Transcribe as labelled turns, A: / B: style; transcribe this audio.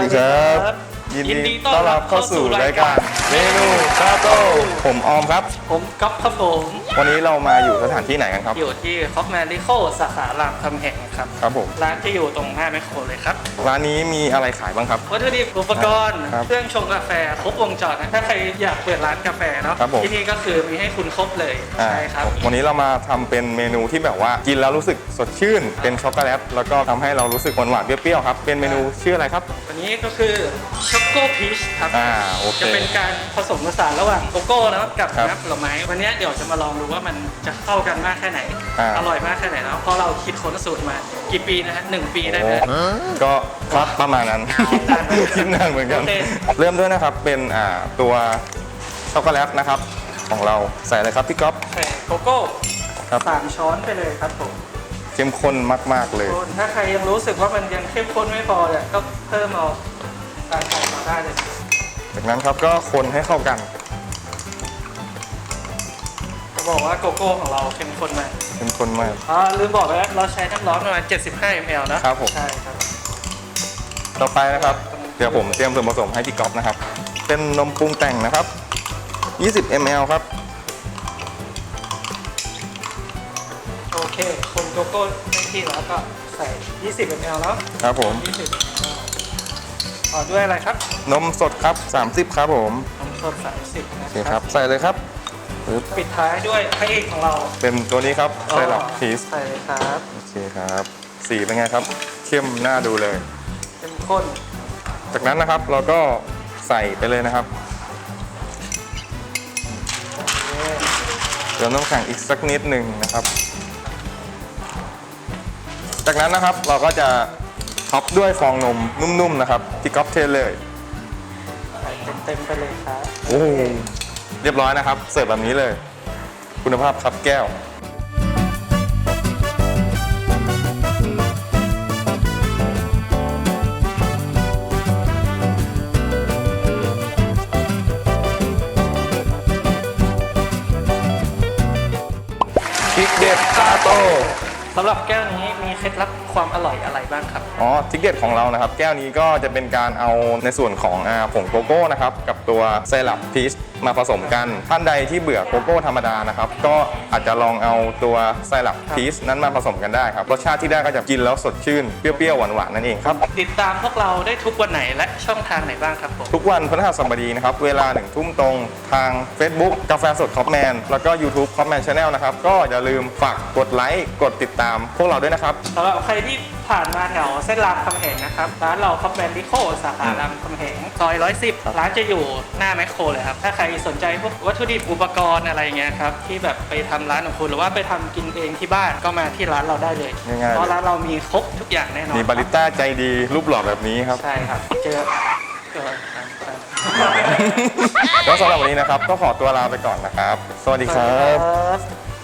A: ดีครับยินดีต้อนรับเข้าสู่รายการเมนูชาโต้ผมออมครับ
B: ผมก๊อฟครับผม
A: วันนี้เรามาอยู่สถานที่ไหนกันครับ
B: อยู่ที่คอฟแมริโคสาขารามคำแหงครับ
A: ผม
B: ร้านที่อยู่ตรงหน้าแมคโครเลยครับ
A: ร้านนี้มีอะไรขายบ้างครับ
B: วัตถุดิบอุปกรณ์เครื่องชงกาแฟครบวงจรนะถ้าใครอยากเปิดร้านกาแฟเนาะที่นี่ก็คือมีให้คุณครบเลยใช่ครับ
A: วันนี้เรามาทำเป็นเมนูที่แบบว่ากินแล้วรู้สึกสดชื่นเป็นช็อกโกแลตแล้วก็ทำให้เรารู้สึกหวานๆเปรี้ยวๆครับเป็นเมนูชื่ออะไรครับ
B: วันนี้ก็คือช็อกโกพีชครับ
A: จะ
B: เป็นการผสมผสานระหว่างโกโก้แล้วกับน้ำผลไม้วันนี้เดี๋ยวจะมาลองดูว่ามันจะเข้ากันมากแค่ไหนอร่อยมากแค่ไหนแล้วเพราะเราคิดค้นสูตรมากี่ปีนะฮะ1 ปีได้ไหม
A: ก็ครับประมาณนั้นคิดนานเหมือนกันเริ่มด้วยนะครับเป็นตัวช็อกโกแลตนะครับของเราใส่อะไรครับพี่ก๊อฟ
B: ใส่โกโก้3 ช้อนไปเลยครับผม
A: เข้มข้นมากๆเลย
B: ถ้าใครยังรู้สึกว่ามันยังเข้มข้นไม่พอเนี่ยก็เพิ่มเอาการใส่มาได้เลย
A: จากนั้นครับก็คนให้เข้ากัน
B: จะบอกว่าโกโก้ของเราเข้มข้นมาก
A: เข้มข้นมาก
B: ลืมบอกไปแล้วเราใช้น้ำร้อนประมาณ75 ml
A: นะครับผม
B: ใช่ครับ
A: ต่อไปนะครับเดี๋ยวผมเตรียมส่วนผสมให้พี่ก๊อฟนะครับเป็นนมปรุงแต่งนะครับ20 ml ครับ
B: โอเคคนโกโก้ได้ที่แล้วก็ใส่20 ml แล้ว
A: ครับผม
B: ต่อด้วยอะไรครับ
A: นมสดครับ30ครับผม
B: นมสด30นะ
A: ครับใส่เลยครับ
B: ปิดท้ายด้วยพระเอกของเรา
A: เป็นตัวนี้ครับไซรัปพีช
B: ใส่เลยครับ
A: โอเคครับสีเป็นไงครับเข้มน่าดูเลย
B: เข้มข้น
A: จากนั้นนะครับเราก็ใส่ไปเลยนะครับเติมน้ำแข็งอีกสักนิดหนึ่งนะครับจากนั้นนะครับเราก็จะท็อปด้วยฟองนมนุ่มๆนะครับที่ก๊อฟเทเลย
B: ใส่เต็มไปเลยครับ
A: โอ้เรียบร้อยนะครับเสิร์ฟแบบนี้เลยคุณภาพครับแก้วพริกเด็ดชาโต้
B: สำหรับแก้วนี้มีเคล็ดลับความอร่อยอะไรบ้างครับ
A: ทริคเด็ดของเรานะครับแก้วนี้ก็จะเป็นการเอาในส่วนของผงโกโก้นะครับกับตัวไซรัปพีชมาผสมกันท่านใดที่เบื่อโกโก้ธรรมดานะครับก็อาจจะลองเอาตัวไซรัปพีชนั้นมาผสมกันได้ครับรสชาติที่ได้ก็จะกินแล้วสดชื่นเปรี้ยวๆหวานๆนั่นเองครับ
B: ติดตามพวกเราได้ทุกวันไหนและช่องทางไหนบ้างครับผม
A: ทุกวันพฤหัสบดีนะครับเวลา 1 ทุ่มตรงทาง Facebook กาแฟสดคอฟแมนแล้วก็ YouTube คอฟแมน Channel นะครับก็อย่าลืมฝากกดไลค์กดติดตามพวกเราด้วยนะครับ
B: สำหรับใครที่ผ่านมาแถวเส้นรามคำแหงนะครับร้านเราคอฟแมนริโคสาขารามคำแหงซอย110ร้านจะอยู่หน้าแมคโครเลยครับถ้าใครสนใจพวกวัตถุดิบอุปกรณ์อะไรเงี้ยครับที่แบบไปทำร้านของคุณหรือว่าไปทำกินเองที่บ้านก็มาที่ร้านเราได้เลยเพราะร้านเรามีครบทุกอย่างแน่นอน
A: มีบาริสต้าใจดีรูปหล่อแบบนี้ครับ
B: ใช่ครับเจอ
A: แล้วสำหรับวันนี้นะครับก็ขอตัวลาไปก่อนนะครับสวัสดีครับ